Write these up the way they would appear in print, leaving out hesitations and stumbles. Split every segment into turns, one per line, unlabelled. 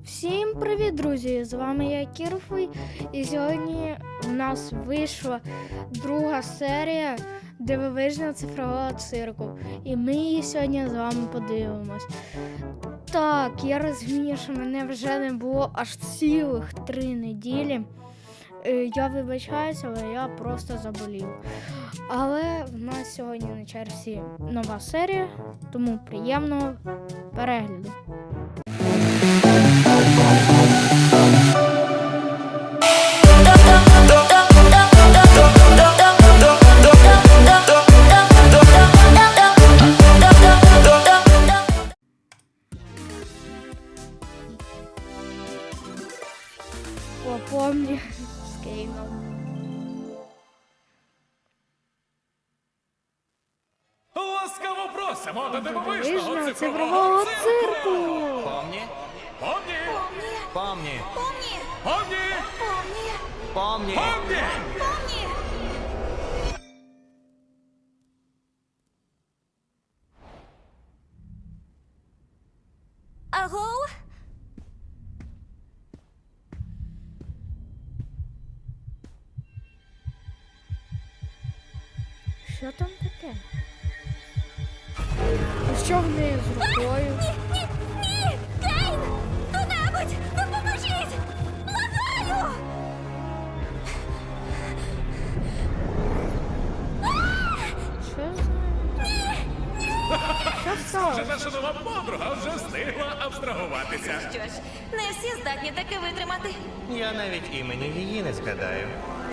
Всім привіт, друзі! З вами я Кірфой, і сьогодні у нас вийшла друга серія дивовижного цифрового цирку. І ми її сьогодні з вами подивимось. Так, я розумію, що мене вже не було аж цілих 3 неділі. Я вибачаюся, але я просто заболів. Але в нас сьогодні на черзі нова серія, тому приємного перегляду. Помні з Кейном.
Ласкаво просимо до дивовижного
Дивовижного
цифрового цирку!
Помни,
Помні!
помни,
Помні!
помни.
Помні!
Аго?
Що там таке? І що в неї з рукою?
Ні! Кейн! Хто-небудь! Допоможіть! Благаю!
Що з нею? Що
Вже
сталося?
наша нова подруга вже встигла абстрагуватися.
Що ж, не всі здатні таке витримати.
Я навіть імені її не згадаю.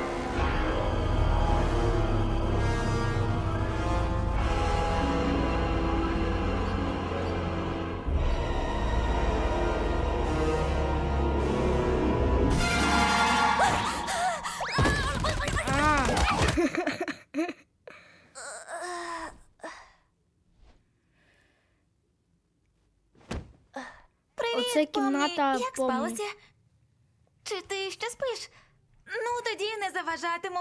А,
Привіт,
Оце кімната
Помні. Як
Помні.
спалося? Чи ти ще спиш? Ну, тоді не заважатиму.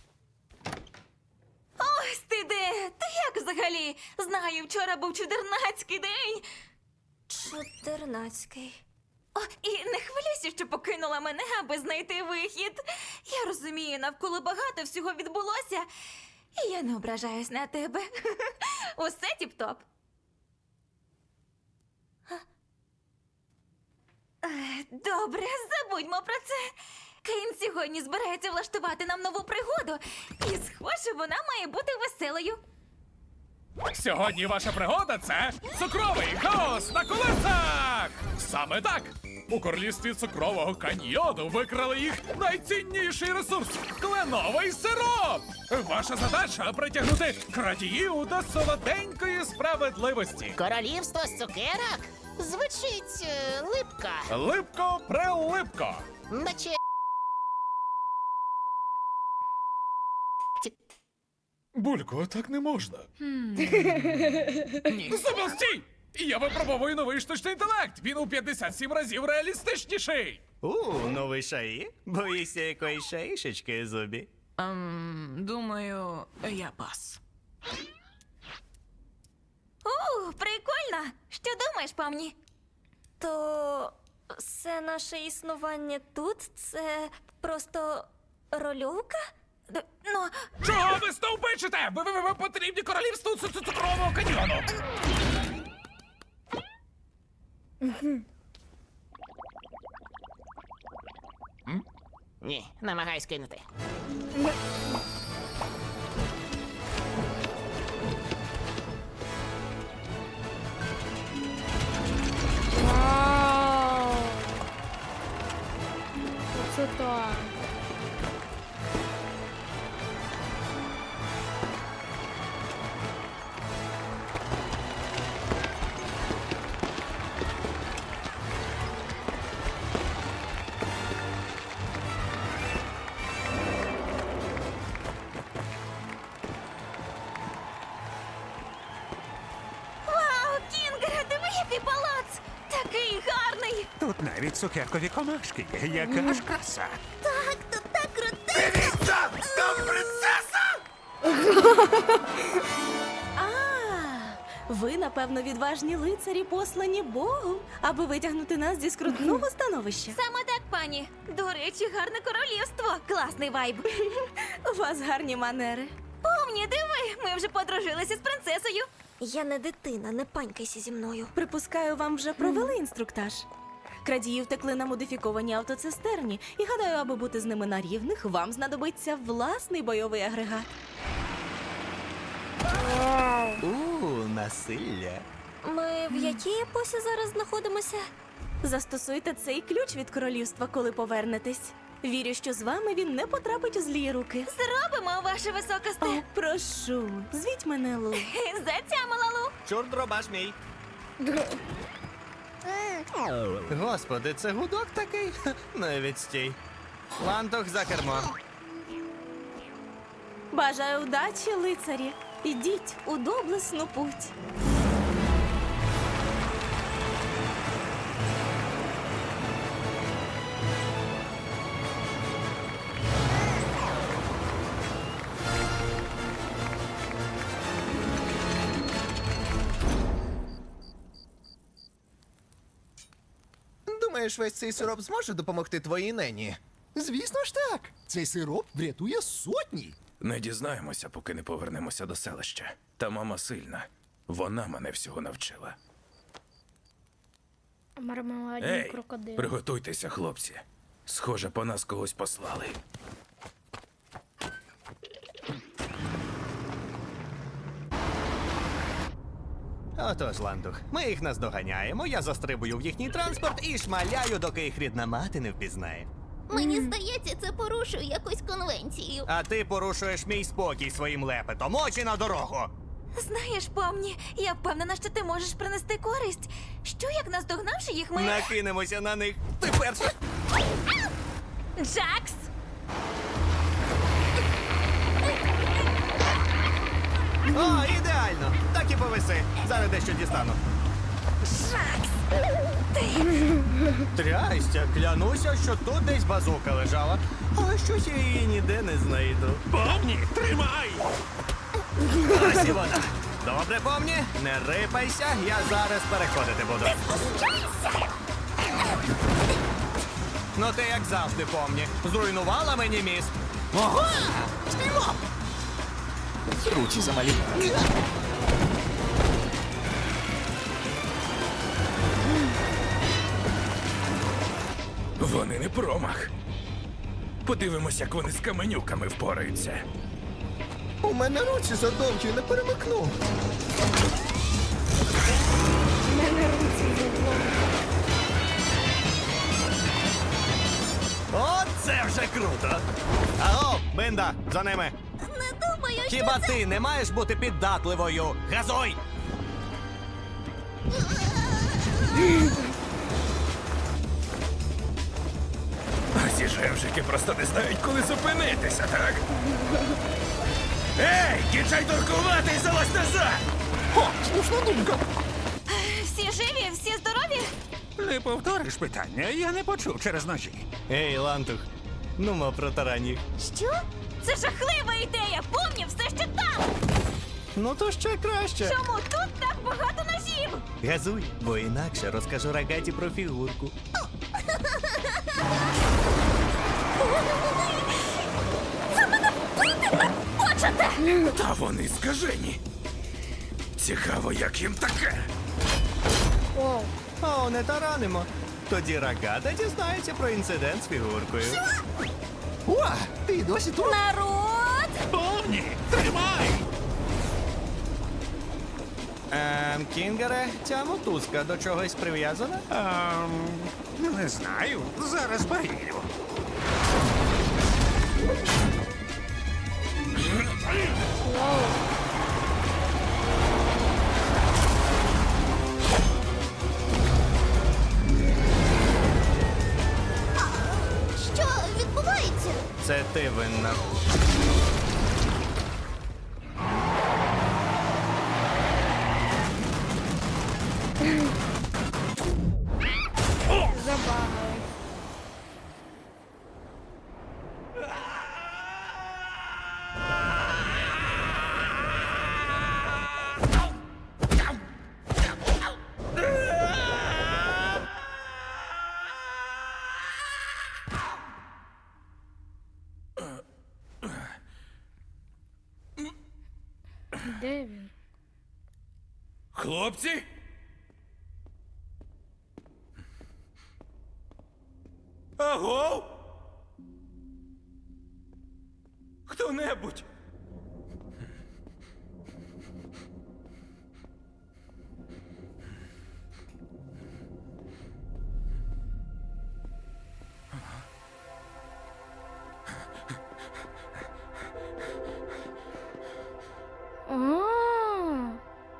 Ось ти де! Ти як взагалі? Знаю, вчора був чудернацький день. Чудернацький. О, і не хвилюйся, що покинула мене, аби знайти вихід. Я розумію, навколо багато всього відбулося, і я не ображаюсь на тебе. Усе тіп-топ. Добре, забудьмо про це. Кейн сьогодні збирається влаштувати нам нову пригоду. І схоже, вона має бути веселою.
Сьогодні ваша пригода це цукровий хаос на колесах! Саме так! У королівстві цукрового каньйону викрали їх найцінніший ресурс – кленовий сироп! Ваша задача – притягнути крадіїв до солоденької справедливості.
Королівство з цукерок? Звучить липка,
Липко-прелипко!
наче
Булько, так не можна. Замовстій! Я випробовую новий штучний інтелект. Він у 57 разів реалістичніший.
Новий шаї? Боїшся якої шаїшечки, Зубі?
Думаю, я пас.
Прикольно. Що думаєш, Помні? То все наше існування тут це просто рольовка? Ну,
Чого ви стовбичите? Ви потрібні королівству цукрового каньйону.
ні, намагаюсь кинути.
Вау! Оце так.
вау, Кінгере, диви, який палац! Такий гарний!
Тут навіть цукеркові комашки є. Яка ж краса.
Так, тут так крутезно!
Там принцеса!
Ви, напевно, відважні лицарі, послані Богом, аби витягнути нас зі скрутного становища.
Саме так, пані. До речі, гарне королівство. Класний вайб.
У вас гарні манери.
Помні, диви, ми вже подружилися з принцесою.
Я не дитина, не панькайся зі мною.
Припускаю, вам вже провели інструктаж. Крадії втекли на модифікованій автоцистерні, і гадаю, аби бути з ними на рівних, вам знадобиться власний бойовий агрегат.
Насилля.
Ми в якій епосі зараз знаходимося?
Застосуйте цей ключ від королівства, коли повернетесь. Вірю, що з вами він не потрапить у злі руки.
Зробимо, ваше
О,
високосте.
прошу, звіть мене Лу.
Затямила, Лу.
Чорт дробаш мій. Господи, це гудок такий? Навіть стій. Лантох за кермо.
Бажаю удачі, лицарі. Ідіть у доблесну путь.
Думаєш, весь цей сироп зможе допомогти твоїй нені? Звісно ж так. Цей сироп врятує сотні.
Не дізнаємося, поки не повернемося до селища. Та мама сильна. Вона мене всього навчила.
Мармеладні
Ей,
крокодили.
приготуйтеся, хлопці. Схоже, по нас когось послали.
Отож, Лантух, ми їх наздоганяємо, я застрибую в їхній транспорт і шмаляю, доки їх рідна мати не впізнає.
Мені здається, це порушує якусь конвенцію.
А ти порушуєш мій спокій своїм лепетом. Очі на дорогу!
Знаєш, помні, я впевнена, що ти можеш принести користь. Що, як наздогнавши їх, ми...
Накинемося на них. Ти перша.
Джакс!
О, ідеально! Так і повиси. Зараз дещо дістану. Трястя, клянуся, що тут десь базука лежала. Але щось я її ніде не знайду.
Помні, тримай!
Ось і вона. Добре, помні, не рипайся, я зараз переходити буду. Ну ти як завжди, помні. Зруйнувала мені міст. Ого! Співав!
Руці замалі.
Вони не промах. Подивимось, як вони з каменюками впораються.
У мене руці задовгі, не перемикну.
Оце вже круто! Аго, Бинда, за ними!
Не думаю, що
Хіба ти не маєш бути піддатливою? Газуй!
А ці жевжики просто не знають, коли зупинитися, так? Ей, кінчай торкувати і залазь назад!
О, слушна думка.
Всі живі, всі здорові?
Не повториш питання, я не почув через ножі.
Ей, Лантух, ну мо протарань їх.
Що?
Це жахлива ідея! Помні, все ще там!
Ну то ще краще.
Чому тут так багато ножів?
Газуй, бо інакше розкажу Рагаті про фігурку.
Хочете?
Та вони скажені. Цікаво, як їм таке.
Оу.
О, не таранимо. Тоді Рагата дізнається про інцидент з фігуркою.
О, ти досі тут?
Народ!
Помні, тримай!
Кінгере, ця мотузка до чогось прив'язана?
Не знаю, зараз перевірю.
Що відбувається?
Це ти винна.
Забагали. Де він?
Хлопці? Аго? Хто-небудь?
А.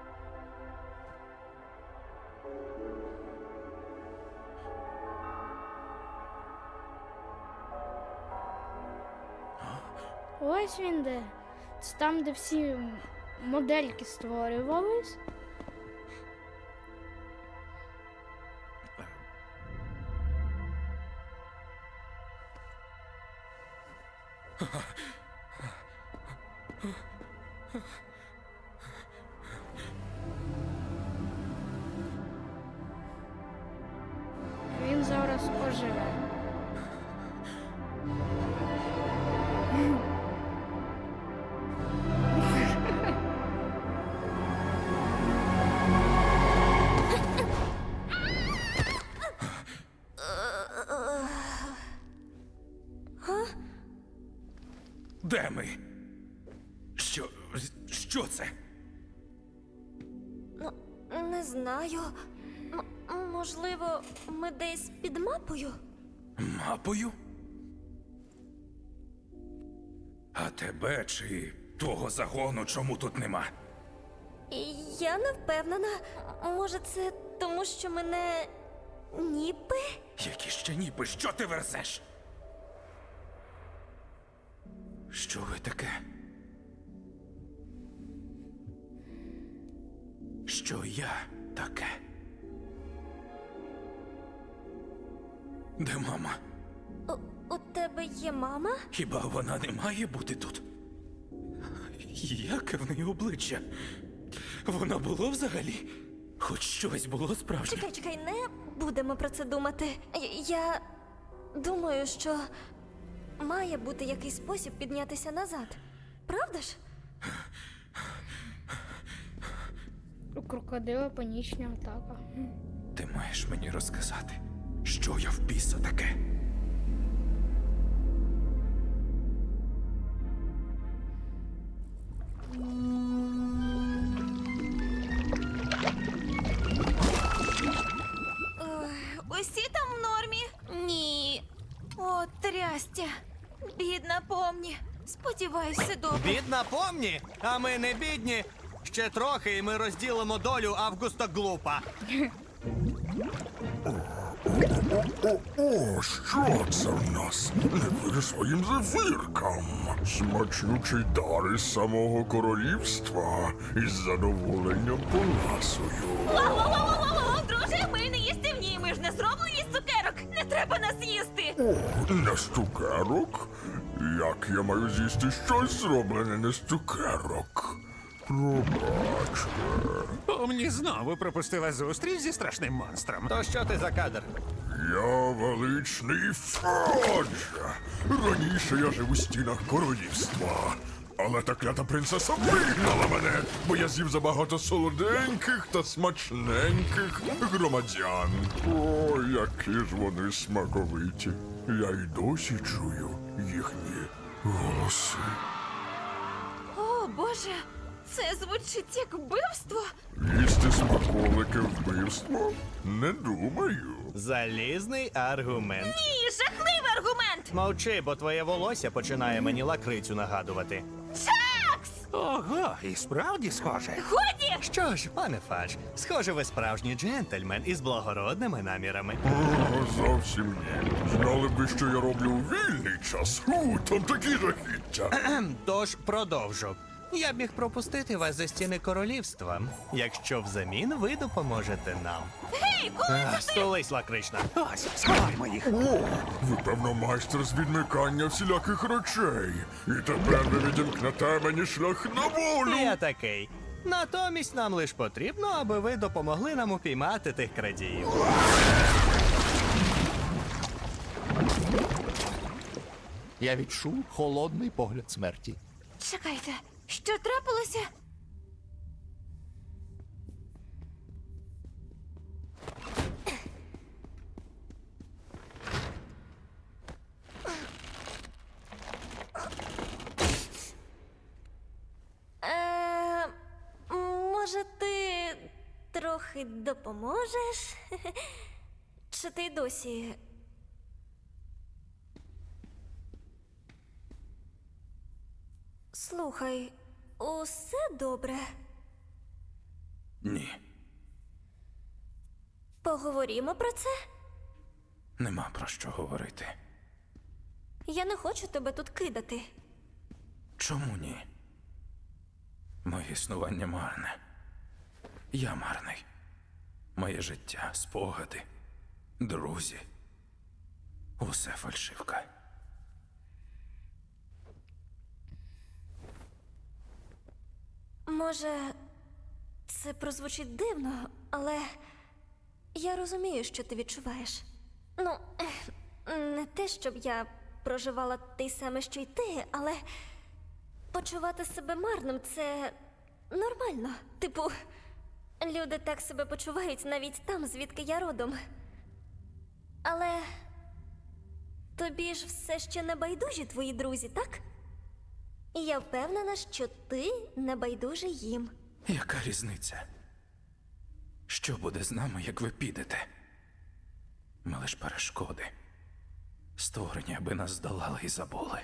Ось він де. Це там, де всі модельки створювались. Він зараз оживе.
Де ми? Що це?
Не знаю. Можливо, ми десь під мапою?
Мапою? А тебе чи того загону чому тут нема?
Я не впевнена. Може, це тому, що мене ніби?
Які ще ніби, що ти верзеш? Що ви таке? Що я таке? Де мама?
У тебе є мама?
Хіба вона не має бути тут? Яке в неї обличчя? Воно було взагалі? Хоч щось було справжнє?
Чекай, не будемо про це думати. Я думаю, що має бути якийсь спосіб піднятися назад. Правда ж?
У крокодила панічна атака.
Ти маєш мені розказати, що я в біса таке?
Усі там в нормі? Ні. О, трястя. Бідна помні. Сподіваюсь, все добре.
Бідна помні, а ми не бідні. Ще трохи, і ми розділимо долю Августа Глупа.
О, що це в нас? Не вір своїм зефіркам. Смачнючий дар із самого королівства. Із задоволенням поласую.
Друже, ми не їстівні, ми ж не зроблені з цукерок. Не треба нас їсти.
О, не з цукерок? Як я маю з'їсти щось зроблене не з цукерок? Пробачте.
Помні знову пропустила зустріч зі страшним монстром.
То що ти за кадр?
Я величний Фродж. Раніше я жив у стінах королівства. Але та клята принцеса вигнала мене, бо я з'їв забагато солоденьких та смачненьких громадян. О, які ж вони смаковиті. Я й досі чую їхні голоси.
О, Боже, це звучить як вбивство.
Їсти смаколики вбивство? Не думаю.
Залізний аргумент.
Ні, жахливий аргумент.
Мовчи, бо твоє волосся починає мені лакрицю нагадувати.
Чакс!
Ого, і справді схоже.
Годі!
Що ж, пане Фадж, схоже, ви справжній джентльмен із благородними намірами.
О, зовсім ні. Знали б ви, що я роблю у вільний час. Там такі жахіття.
Тож продовжу. Я б міг пропустити вас за стіни королівства, якщо взамін ви допоможете нам.
Гей, коли це ти?
Столись, лакрична.
Ось, сховаймо їх.
О, ви, певно, майстер з відмикання всіляких речей. І тепер ви відімкнете мені шлях на волю.
Я такий. Натомість нам лиш потрібно, аби ви допомогли нам упіймати тих крадіїв.
Я відчув холодний погляд смерті.
Чекайте, що трапилося? трохи допоможеш? Чи ти досі? Слухай, усе добре.
Ні,
Поговоримо про це?
нема про що говорити.
Я не хочу тебе тут кидати.
Чому ні? Моє існування марне. Я марний. Моє життя, спогади, друзі. Усе фальшивка.
Може, це прозвучить дивно, але я розумію, що ти відчуваєш. Ну, не те, щоб я проживала те саме, що й ти, але почувати себе марним це нормально. Типу, люди так себе почувають навіть там, звідки я родом. Але тобі ж все ще не байдужі твої друзі, так? І я впевнена, що ти не байдужий їм.
Яка різниця? Що буде з нами, як ви підете? Ми лиш перешкоди. Створені, аби нас здолали і забули.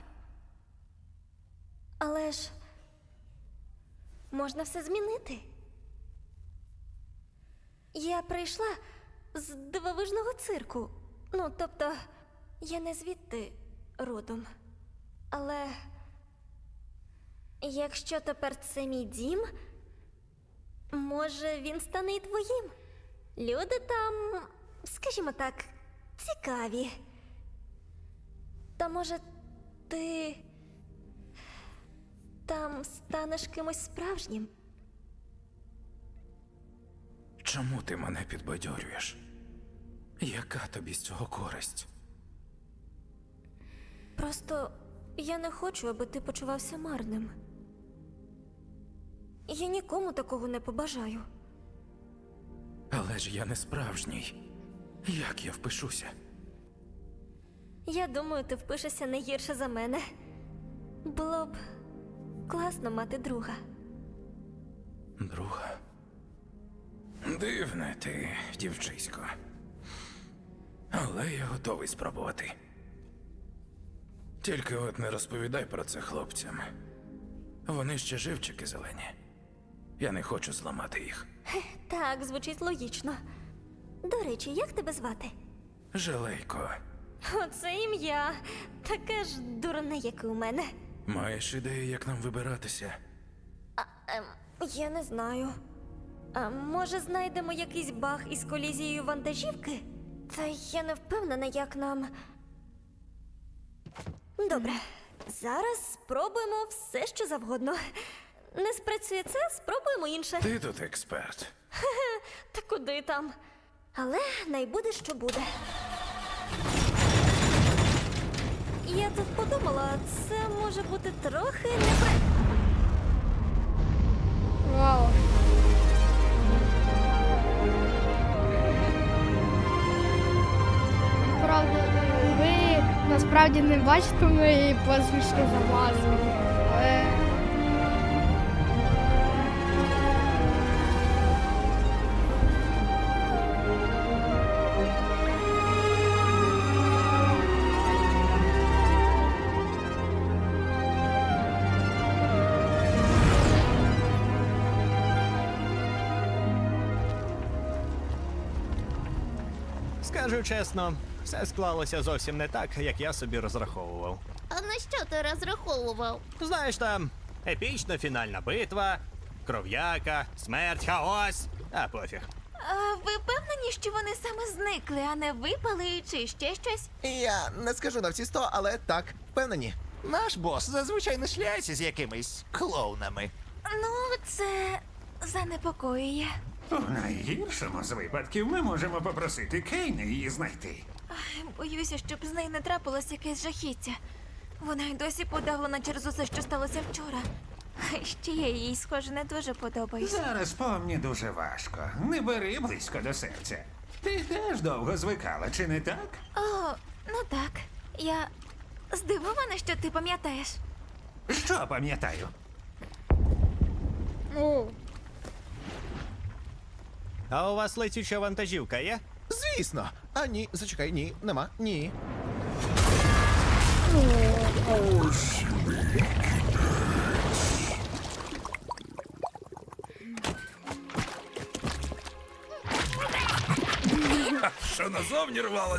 Але ж можна все змінити. Я прийшла з дивовижного цирку. Ну, тобто, я не звідти родом. Але якщо тепер це мій дім, може він стане і твоїм. Люди там, скажімо так, цікаві. Та може ти там станеш кимось справжнім?
Чому ти мене підбадьорюєш? Яка тобі з цього користь?
Просто я не хочу, аби ти почувався марним. Я нікому такого не побажаю.
Але ж я не справжній. Як я впишуся?
Я думаю, ти впишешся не гірше за мене. Було б класно мати друга.
Друга. Дивне ти, дівчисько. Але я готовий спробувати. Тільки от не розповідай про це хлопцям. Вони ще живчики зелені. Я не хочу зламати їх.
Так, звучить логічно. До речі, як тебе звати?
Жалейко,
Оце ім'я. Таке ж дурне, як і у мене.
маєш ідею, як нам вибиратися?
Я не знаю. А може знайдемо якийсь баг із колізією вантажівки? Та я не впевнена, як нам. Добре, зараз спробуємо все, що завгодно. Не спрацює це, спробуємо інше.
Ти тут експерт.
Та куди там? Але найбуде, що буде. Я тут подумала, це може бути трохи
Вау. Правда, ви насправді не бачите мої посмішки замазані. Але
Скажу чесно, все склалося зовсім не так, як я собі розраховував.
А на що ти розраховував?
Знаєш, там епічна фінальна битва, кров'яка, смерть, хаос. А пофіг.
А ви впевнені, що вони саме зникли, а не випали чи ще щось?
Я не скажу на всі 100, але так, впевнені. Наш бос зазвичай не шляється з якимись клоунами.
Ну, це занепокоює.
У найгіршому з випадків ми можемо попросити Кейна її знайти.
Боюся, щоб з нею не трапилось якесь жахіття. Вона й досі подавлена через усе, що сталося вчора. А ще я їй, схоже, не дуже подобаюся.
Зараз помні дуже важко. Не бери близько до серця. Ти теж довго звикала, чи не так?
О, ну так. Я здивована, що ти пам'ятаєш.
Що пам'ятаю?
о,
А у вас летюча вантажівка є?
Звісно. А ні, зачекай, ні, нема, ні.
Ось мій
Що назовні рвалось?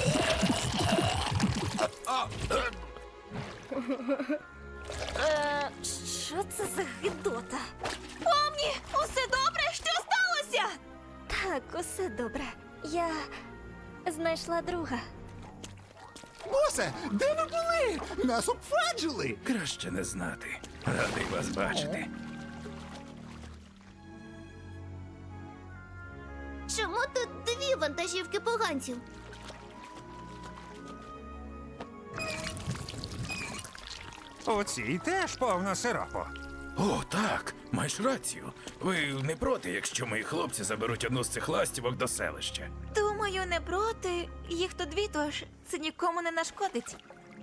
Що це за гидота? Помні, усе добре? Що сталося? Так, усе добре. Я знайшла друга.
Босе, де ви були? Нас обфаджили.
Краще не знати. Радий вас бачити.
Чому тут дві вантажівки поганців?
У цій теж повно сиропу.
О, так, маєш рацію. Ви не проти, якщо мої хлопці заберуть одну з цих ластівок до селища.
Думаю, не проти. Їх тут дві, тож це нікому не нашкодить.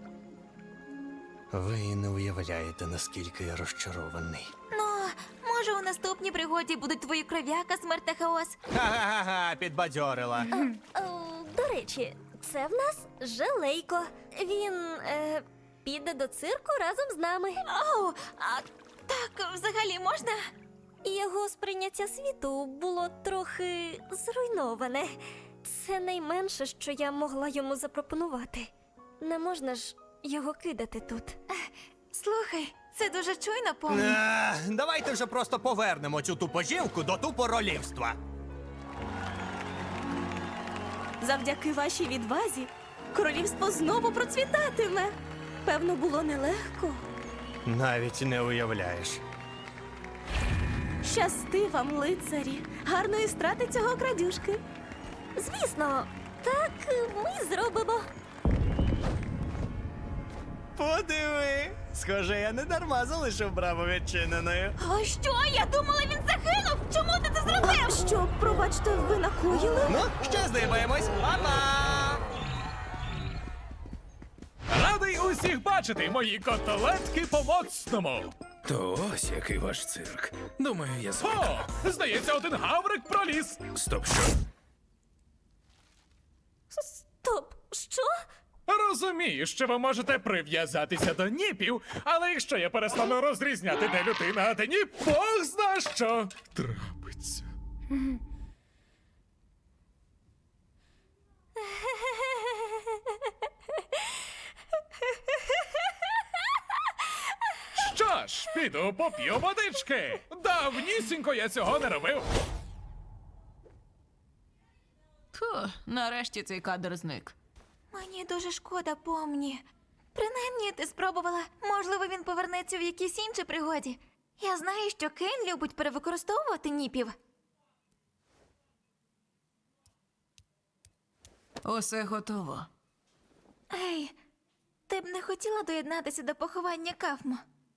Ви не уявляєте, наскільки я розчарований.
Ну, може, у наступній пригоді будуть твої кров'яка, смерть та хаос.
Ха-ха-ха, підбадьорила.
До речі, це в нас Желейко. Він піде до цирку разом з нами. О, а так взагалі можна? Його сприйняття світу було трохи зруйноване. Це найменше, що я могла йому запропонувати. Не можна ж його кидати тут. Слухай, це дуже чуйно, помню.
Давайте вже просто повернемо цю тупожівку до тупоролівства.
Завдяки вашій відвазі королівство знову процвітатиме. Певно, було нелегко.
Навіть не уявляєш.
Щасти вам, лицарі. Гарної страти цього крадюшки.
Звісно, так ми зробимо.
Подиви! Схоже, я не дарма залишив браму відчиненою.
А що? Я думала, він загинув! Чому ти це зробив?
Що, пробачте, ви накоїли?
Ну, ще здиваємось. Па-па!
Радий усіх бачити, мої котелетки по-моцному. То ось який ваш цирк. Думаю, я звик. О, здається, один гаврик проліз. Стоп, що?
Стоп, що?
Розумію, що ви можете прив'язатися до ніпів, але якщо я перестану розрізняти, де людина, а де ніп, Бог зна що трапиться. Що ж, піду поп'ю водички. Давнісінько я цього не робив.
Фу, нарешті цей кадр зник.
Мені дуже шкода, помні. Принаймні, ти спробувала. Можливо, він повернеться в якійсь іншій пригоді. Я знаю, що Кейн любить перевикористовувати ніпів.
Усе готово.
Ей, ти б не хотіла доєднатися до поховання Кафмо?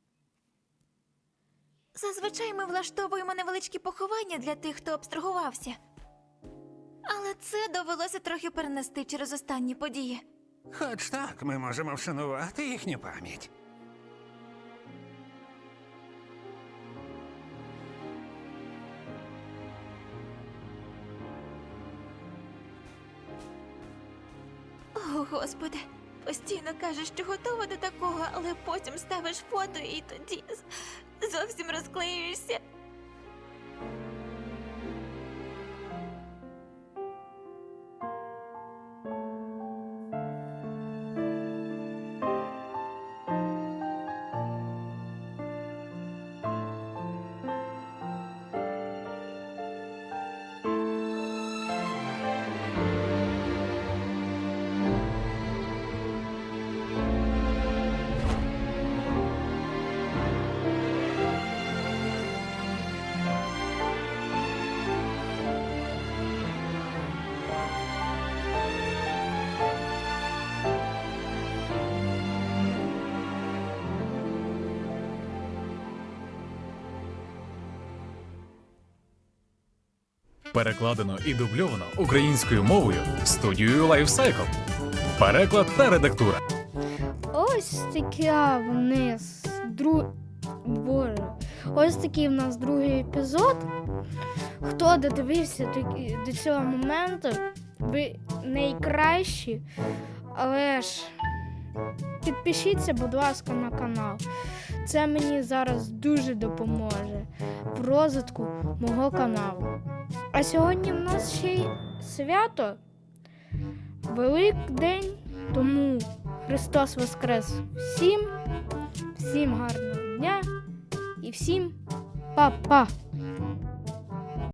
Зазвичай ми влаштовуємо невеличкі поховання для тих, хто абстрагувався. Але це довелося трохи перенести через останні події.
Хоч так ми можемо вшанувати їхню пам'ять.
О, Господи, постійно кажеш, що готова до такого, але потім ставиш фото і тоді зовсім розклеюєшся.
Перекладено і дубльовано українською мовою студією Lifecycle. Переклад та редактура.
Ось така вниз. Боже. Ось такий в нас другий епізод. Хто додивився до цього моменту, ви найкращі, але ж підпишіться, будь ласка, на канал. Це мені зараз дуже допоможе в розвитку мого каналу. А сьогодні в нас ще й свято, Великдень, тому Христос Воскрес всім гарного дня і всім па-па!